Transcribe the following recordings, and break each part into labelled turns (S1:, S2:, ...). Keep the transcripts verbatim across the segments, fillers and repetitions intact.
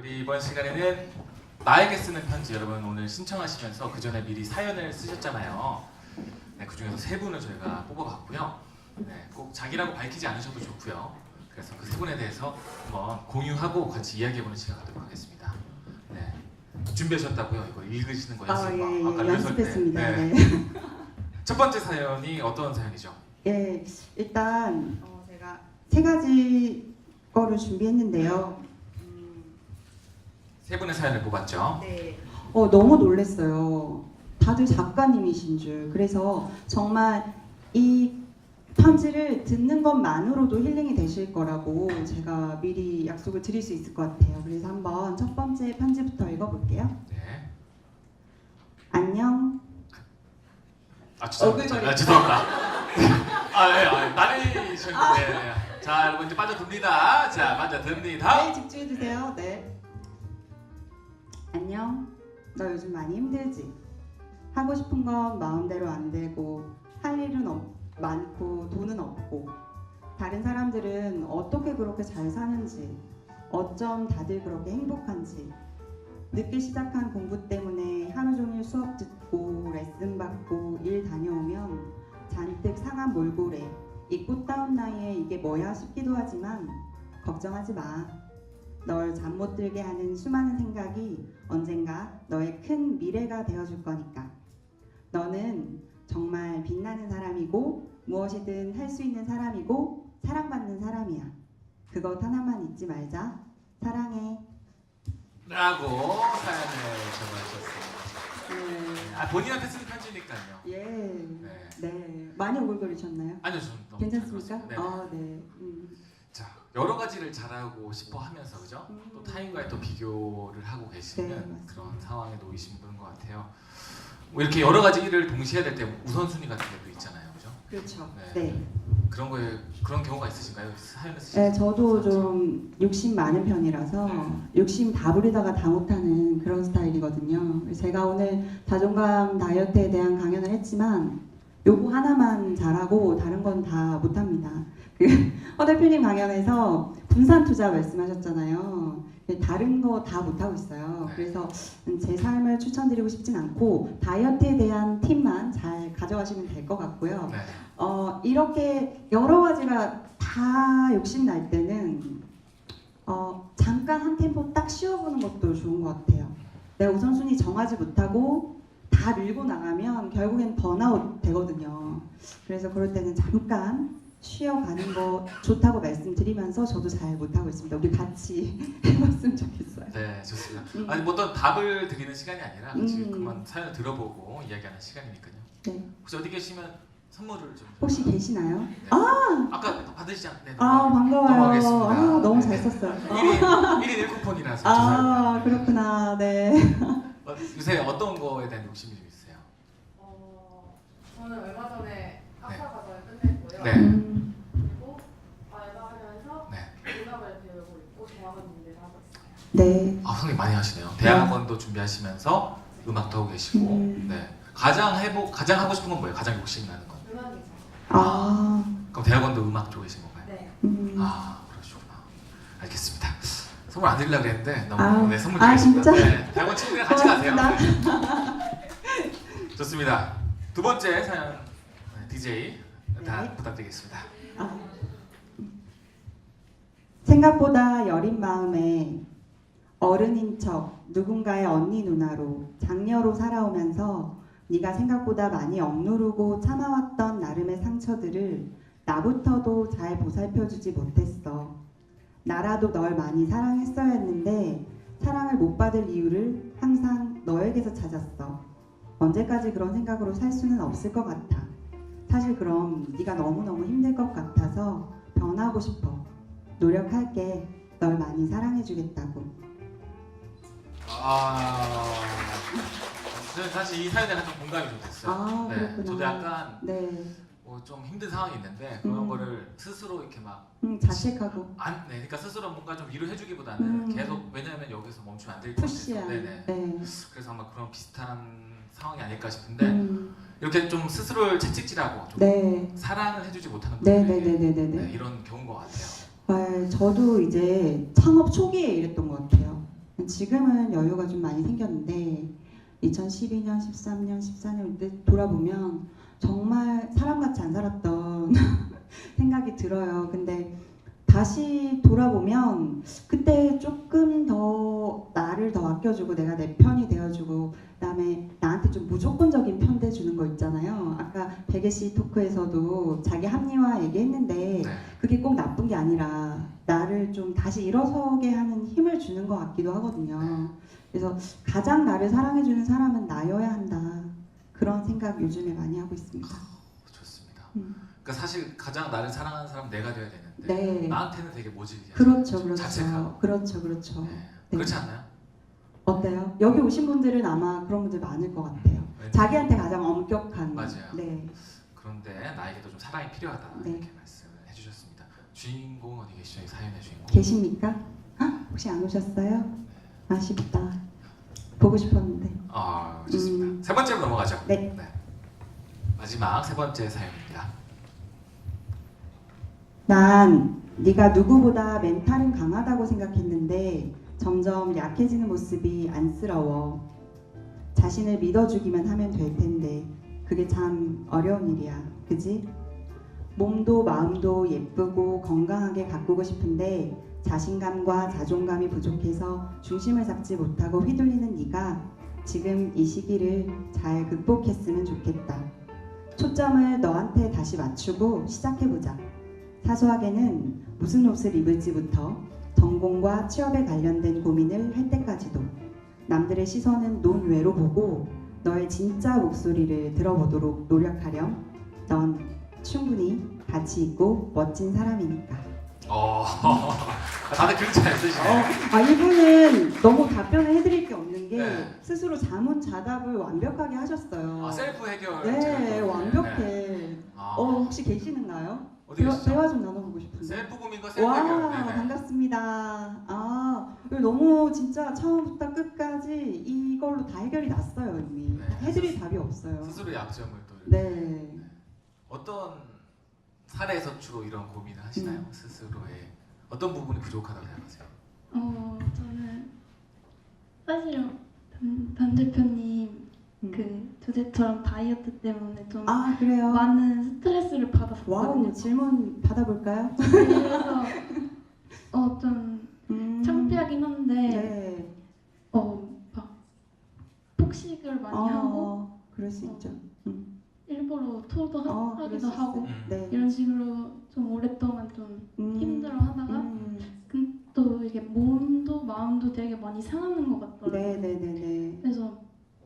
S1: 우리 이번 시간에는 나에게 쓰는 편지, 여러분 오늘 신청하시면서 그 전에 미리 사연을 쓰셨잖아요. 네, 그 중에서 세 분을 저희가 뽑아봤고요. 네, 꼭 자기라고 밝히지 않으셔도 좋고요. 그래서 그 세 분에 대해서 한번 공유하고 같이 이야기해보는 시간 갖도록 하겠습니다. 네, 준비하셨다고요? 이거 읽으시는 거 연습?
S2: 아, 예, 예,
S1: 아까
S2: 연습했습니다.
S1: 네.
S2: 네.
S1: 첫 번째 사연이 어떤 사연이죠?
S2: 예, 일단 어, 제가 세 가지 거를 준비했는데요. 음,
S1: 세 분의 사연을 뽑았죠.
S2: 네. 어, 너무 놀랐어요. 다들 작가님이신 줄. 그래서 정말 이 편지를 듣는 것만으로도 힐링이 되실 거라고 제가 미리 약속을 드릴 수 있을 것 같아요. 그래서 한번 첫 번째 편지부터 읽어볼게요.
S1: 네.
S2: 안녕.
S1: 아 죄송합니다.
S2: 얼굴
S1: 아, 죄송합니다. 아, 예, 아, 나레이션인데. 네. 자, 여러분 이제 빠져듭니다. 자, 빠져듭니다.
S2: 네, 집중해주세요. 네. 안녕. 너 요즘 많이 힘들지? 하고 싶은 건 마음대로 안 되고 할 일은 없, 많고 돈은 없고 다른 사람들은 어떻게 그렇게 잘 사는지 어쩜 다들 그렇게 행복한지 늦게 시작한 공부 때문에 하루 종일 수업 듣고 레슨 받고 일 다녀오면 잔뜩 상한 몰골에 이 꽃다운 나이에 이게 뭐야 싶기도 하지만 걱정하지 마. 널 잠 못 들게 하는 수많은 생각이 언젠가 너의 큰 미래가 되어줄 거니까. 너는 정말 빛나는 사람이고 무엇이든 할 수 있는 사람이고 사랑받는 사람이야. 그것 하나만 잊지 말자. 사랑해.
S1: 라고 사연을 적어주셨습니다.
S2: 네.
S1: 아, 본인한테 쓰는 편지니까요.
S2: 예.
S1: 네.
S2: 네. 많이 오글거리셨나요?
S1: 아니요, 저는 너무
S2: 괜찮습니까?
S1: 잘 들었습니다. 네.
S2: 아, 네. 음.
S1: 자, 여러 가지를 잘하고 싶어 하면서 그죠?
S2: 음.
S1: 또 타인과의 또 비교를 하고 계시는
S2: 네, 맞습니다.
S1: 그런 상황에 놓이신 분인 것 같아요. 뭐 이렇게 여러 가지 일을 동시에 해야 될 때 우선순위 같은 게도 있잖아요, 그죠?
S2: 그렇죠.
S1: 네.
S2: 네.
S1: 그런 거에 그런 경우가 있으신가요? 사연을 쓰실
S2: 네,
S1: 때?
S2: 저도 좀 욕심 많은 편이라서 욕심 다 부리다가 다 못하는 그런 스타일이거든요. 그래서 제가 오늘 자존감 다이어트에 대한 강연을 했지만 요거 하나만 잘하고 다른 건 다 못합니다. 그 허 대표님 강연에서 분산 투자 말씀하셨잖아요. 다른 거 다 못하고 있어요. 그래서 제 삶을 추천드리고 싶진 않고 다이어트에 대한 팁만 잘 가져가시면 될 것 같고요.
S1: 네.
S2: 어, 이렇게 여러 가지가 다 욕심 날 때는 어, 잠깐 한 템포 딱 쉬어보는 것도 좋은 것 같아요. 내가 우선순위 정하지 못하고 다 밀고 나가면 결국엔 번아웃 되거든요. 그래서 그럴 때는 잠깐 쉬어가는 거 좋다고 말씀드리면서 저도 잘 못하고 있습니다. 우리 같이 해봤으면 좋겠어요.
S1: 네, 좋습니다.
S2: 음.
S1: 아니 뭐 어떤 답을 드리는 시간이 아니라 같이
S2: 음.
S1: 그만 사연을 들어보고 이야기하는 시간이니까요.
S2: 네.
S1: 혹시 어디 계시면 선물을 좀
S2: 혹시 계시나요?
S1: 네.
S2: 아!
S1: 아까 받으시지 않... 네,
S2: 아, 반가워요.
S1: 넘어가겠습니다.
S2: 아, 너무
S1: 네.
S2: 잘 썼어요.
S1: 일 인 일 쿠폰이라서
S2: 아,
S1: 죄송합니다.
S2: 그렇구나. 네.
S1: 어, 요새 어떤 거에 대한 욕심이 좀 있으세요?
S3: 어, 저는 얼마 전에 학사 과정을 끝냈고요.
S1: 네.
S2: 음.
S3: 그리고 알바하면서
S1: 네.
S3: 음악을 배우고 있고 대학원 준비를 하고 있어요.
S2: 네.
S1: 아, 선생님 많이 하시네요. 대학원도 준비하시면서 음악도 하고 계시고.
S2: 음.
S1: 네. 가장 해보 가장 하고 싶은 건 뭐예요? 가장 욕심 나는 건?
S3: 음악이죠.
S2: 아.
S1: 그럼 대학원도 음악 쪽에 계신 건가요?
S3: 네.
S2: 음.
S1: 아, 그러시구나. 알겠습니다. 선물 안 드리려고 했는데 너무
S2: 아.
S1: 네, 선물
S2: 아,
S1: 드리겠습니다.
S2: 진짜?
S1: 네. 대학원 친구들이랑 같이 가세요.
S2: 고맙습니다.
S1: 네. 좋습니다. 두 번째 사연 네, 디제이 다
S2: 네.
S1: 부탁드리겠습니다.
S2: 아. 생각보다 여린 마음에 어른인 척 누군가의 언니 누나로 장녀로 살아오면서 네가 생각보다 많이 억누르고 참아왔던 나름의 상처들을 나부터도 잘 보살펴주지 못했어. 나라도 널 많이 사랑했어야 했는데 사랑을 못 받을 이유를 항상 너에게서 찾았어. 언제까지 그런 생각으로 살 수는 없을 것 같아. 사실 그럼 네가 너무너무 힘들 것 같아서 변하고 싶어. 노력할게. 널 많이 사랑해주겠다고.
S1: 아, 저는 사실 이 사연에 좀 공감이 좀 됐어요.
S2: 아,
S1: 네,
S2: 그렇구나.
S1: 저도 약간
S2: 네.
S1: 뭐 좀 힘든 상황이 있는데 그런
S2: 음.
S1: 거를 스스로 이렇게 막
S2: 음, 자책하고
S1: 안, 네, 그러니까 스스로 뭔가 좀 위로해주기보다는
S2: 음.
S1: 계속 왜냐하면 여기서 멈추면 안 될 것 같아서,
S2: 푸시한.
S1: 네네.
S2: 네.
S1: 그래서 아마 그런 비슷한 상황이 아닐까 싶은데
S2: 음.
S1: 이렇게 좀 스스로를 채찍질하고 좀
S2: 네.
S1: 사랑을 해주지 못하는
S2: 네,
S1: 분들에게
S2: 네, 네, 네, 네,
S1: 네,
S2: 네.
S1: 이런 경우인 것 같아요.
S2: 네, 저도 이제 창업 초기에 이랬던 것 같아요. 지금은 여유가 좀 많이 생겼는데 이천십이 년, 십삼 년, 십사 년 때 돌아보면 정말 사람같이 안 살았던 생각이 들어요. 근데 다시 돌아보면 그때 조금 더 나를 더 아껴주고 내가 내 편이 되어주고 그다음에 나한테 좀 무조건적인 편대 주는 거 있잖아요. 아까 베개 씨 토크에서도 자기 합리화 얘기했는데
S1: 네.
S2: 그게 꼭 나쁜 게 아니라 나를 좀 다시 일어서게 하는 힘을 주는 것 같기도 하거든요. 그래서 가장 나를 사랑해주는 사람은 나여야 한다. 그런 생각 요즘에 많이 하고 있습니다.
S1: 좋습니다.
S2: 음.
S1: 그러니까 사실 가장 나를 사랑하는 사람 내가 돼야 되는데
S2: 네.
S1: 나한테는 되게 모질이야.
S2: 그렇죠, 그렇죠.
S1: 자책하고.
S2: 그렇죠, 그렇죠.
S1: 네.
S2: 네.
S1: 그렇지 않나요?
S2: 어때요? 여기 오신 분들은 아마 그런 분들 많을 것 같아요.
S1: 네.
S2: 자기한테 가장 엄격한.
S1: 맞아요.
S2: 네.
S1: 그런데 나에게도 좀 사랑이 필요하다
S2: 네.
S1: 이렇게 말씀을 해주셨습니다. 주인공 어디 계시죠? 이 사연의 주인공.
S2: 계십니까? 헉, 혹시 안 오셨어요? 아쉽다. 보고 싶었는데.
S1: 아 좋습니다.
S2: 음.
S1: 세 번째로 넘어가죠.
S2: 네.
S1: 마지막 세 번째 사연입니다.
S2: 난 네가 누구보다 멘탈은 강하다고 생각했는데 점점 약해지는 모습이 안쓰러워. 자신을 믿어주기만 하면 될 텐데 그게 참 어려운 일이야. 그지? 몸도 마음도 예쁘고 건강하게 가꾸고 싶은데 자신감과 자존감이 부족해서 중심을 잡지 못하고 휘둘리는 네가 지금 이 시기를 잘 극복했으면 좋겠다. 초점을 너한테 다시 맞추고 시작해보자. 사소하게는 무슨 옷을 입을지부터 전공과 취업에 관련된 고민을 할 때까지도 남들의 시선은 논외로 보고 너의 진짜 목소리를 들어보도록 노력하렴. 넌 충분히 가치 있고 멋진 사람이니까.
S1: 어, 다들 글잘 쓰시네.
S2: 어, 아 이분은 너무 답변을 해드릴 게 없는 게
S1: 네.
S2: 스스로 자문자답을 완벽하게 하셨어요.
S1: 아, 셀프 해결.
S2: 네, 완벽해.
S1: 네. 아,
S2: 어 혹시 계시는가요?
S1: 어디
S2: 대화,
S1: 계시죠?
S2: 대화 좀 나눠보고 싶은데.
S1: 셀프 고민과 셀프
S2: 와
S1: 해결. 네네.
S2: 반갑습니다. 아 이거 너무 진짜 처음부터 끝까지 이걸로 다 해결이 났어요 이미.
S1: 네.
S2: 해드릴 답이 없어요.
S1: 스스로의 약점을 또 이렇게.
S2: 네.
S1: 어떤 사례에서 주로 이런 고민을 하시나요?
S2: 음.
S1: 스스로의 어떤 부분이 부족하다고 생각하세요?
S4: 어 저는 사실 단, 단 대표님
S2: 음.
S4: 그 주제처럼 다이어트 때문에 좀
S2: 아 그래요?
S4: 많은 스트레스를 받았거든요.
S2: 와우 질문 받아볼까요?
S4: 그래서 어 좀
S2: 음.
S4: 창피하긴 한데
S2: 네.
S4: 어막 폭식을 많이 하고
S2: 어, 그럴 수
S4: 어.
S2: 있죠. 음.
S4: 일부러 토도 하,
S2: 어, 그럴
S4: 하기도
S2: 수
S4: 하고
S2: 있어요. 네.
S4: 이런 식으로 좀 오랫동안 좀
S2: 음.
S4: 힘들어하다가
S2: 음.
S4: 근- 또 이게 몸도 마음도 되게 많이 상하는 것 같더라고요.
S2: 네네네네.
S4: 그래서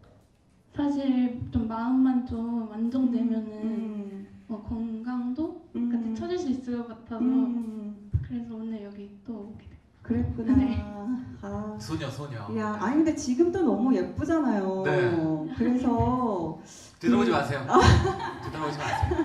S4: 사실 좀 마음만 좀 안정되면은
S2: 음.
S4: 어, 건강도
S2: 음.
S4: 같이 찾을 수 있을 것 같아서
S2: 음.
S4: 그래서 오늘 여기 또 오게 됐어요.
S2: 그랬구나.
S4: 네.
S2: 아.
S1: 소녀 소녀.
S2: 야, 아니 근데 지금도 너무 예쁘잖아요.
S1: 네.
S2: 그래서
S1: 뒤돌아보지
S2: 음.
S1: 마세요. 뒤돌아보지 마세요.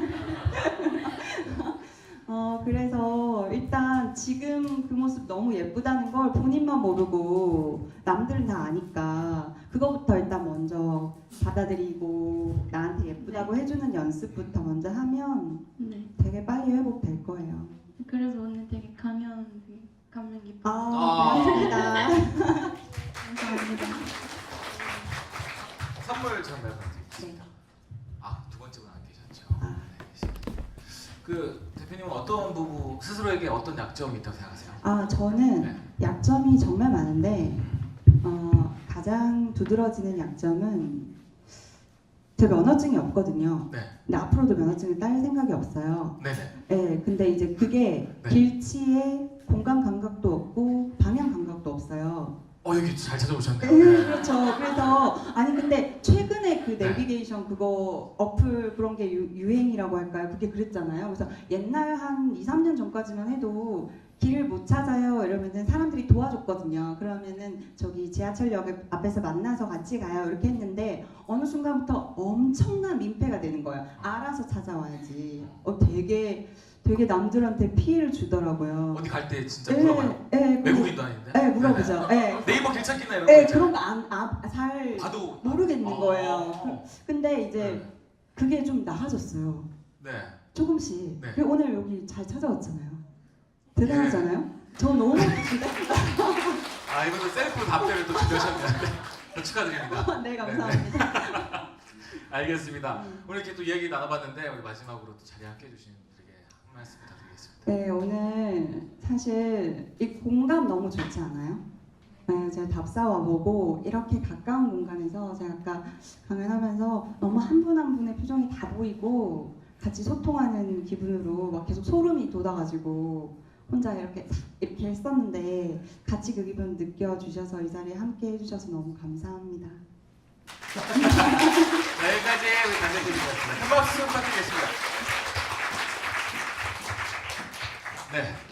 S2: 어 그래서 일단 지금 그 모습 너무 예쁘다는 걸 본인만 모르고 남들은 다 아니까 그거부터 일단 먼저 받아들이고 나한테 예쁘다고 해주는 연습부터 먼저 하면
S4: 네.
S2: 되게 빨리 회복될 거예요.
S4: 그래서 오늘 되게 감명 감명 깊어.
S2: 아,
S1: 아.
S2: 고맙습니다.
S4: 감사합니다.
S1: 선물 전 말씀드리겠습니다. 아, 두 번째 분 안 계셨죠?
S2: 아.
S1: 네, 계시네요. 그 대표님은 어떤 부분 스스로에게 어떤 약점이 있다고 생각하세요?
S2: 아 저는
S1: 네.
S2: 약점이 정말 많은데 어, 가장 두드러지는 약점은 제 면허증이 없거든요.
S1: 네.
S2: 근데 앞으로도 면허증을 딸 생각이 없어요.
S1: 네네.
S2: 네, 근데 이제 그게
S1: 네.
S2: 길치에 공간 감각도 없고 방향 감각도 없어요.
S1: 어 여기 잘 찾아오셨네요.
S2: 네,
S1: 네.
S2: 그렇죠. 그래서 아니 근데 최근에 그
S1: 네.
S2: 내비게이션 그거 어플 그런 게 유, 유행이라고 할까요? 그게 그랬잖아요. 그래서 옛날 한 이, 삼 년 전까지만 해도 길을 못 찾아요 이러면은 사람들이 도와줬거든요. 그러면은 저기 지하철역 앞에서 만나서 같이 가요 이렇게 했는데 어느 순간부터 엄청난 민폐가 되는 거예요. 알아서 찾아와야지. 어 되게 되게 남들한테 피해를 주더라고요.
S1: 어디 갈 때 진짜 물어봐요.
S2: 네, 네,
S1: 외국인도 아닌데.
S2: 네, 물어보죠. 네.
S1: 네이버 길 찾기나 이런 거
S2: 네,
S1: 있잖아요.
S2: 그런 거안잘
S1: 봐도
S2: 모르겠는
S1: 어.
S2: 거예요. 근데 이제 그게 좀 나아졌어요.
S1: 네.
S2: 조금씩.
S1: 네.
S2: 그리고 오늘 여기 잘 찾아왔잖아요. 대단하잖아요. 저 너무 진짜
S1: 아 이것도 셀프 답변을 또 준비하셨네요. 네, 축하드립니다.
S2: 네, 감사합니다.
S1: 알겠습니다.
S2: 음.
S1: 오늘 이렇게 또 이야기 나눠봤는데 우리 마지막으로 또 자리에 함께해 주신 분들에게 한 말씀 부탁드리겠습니다.
S2: 네, 오늘 사실 이 공간 너무 좋지 않아요? 네, 제가 답사 와보고 이렇게 가까운 공간에서 제가 아까 강연하면서 너무 한 분 한 분의 표정이 다 보이고 같이 소통하는 기분으로 막 계속 소름이 돋아가지고 혼자 이렇게 이렇게 했었는데 같이 그 기분 느껴주셔서 이 자리에 함께 해주셔서 너무 감사합니다.
S1: 네, 여기까지 우리 단장님이었습니다. 큰 박수 부탁드리겠습니다. 네.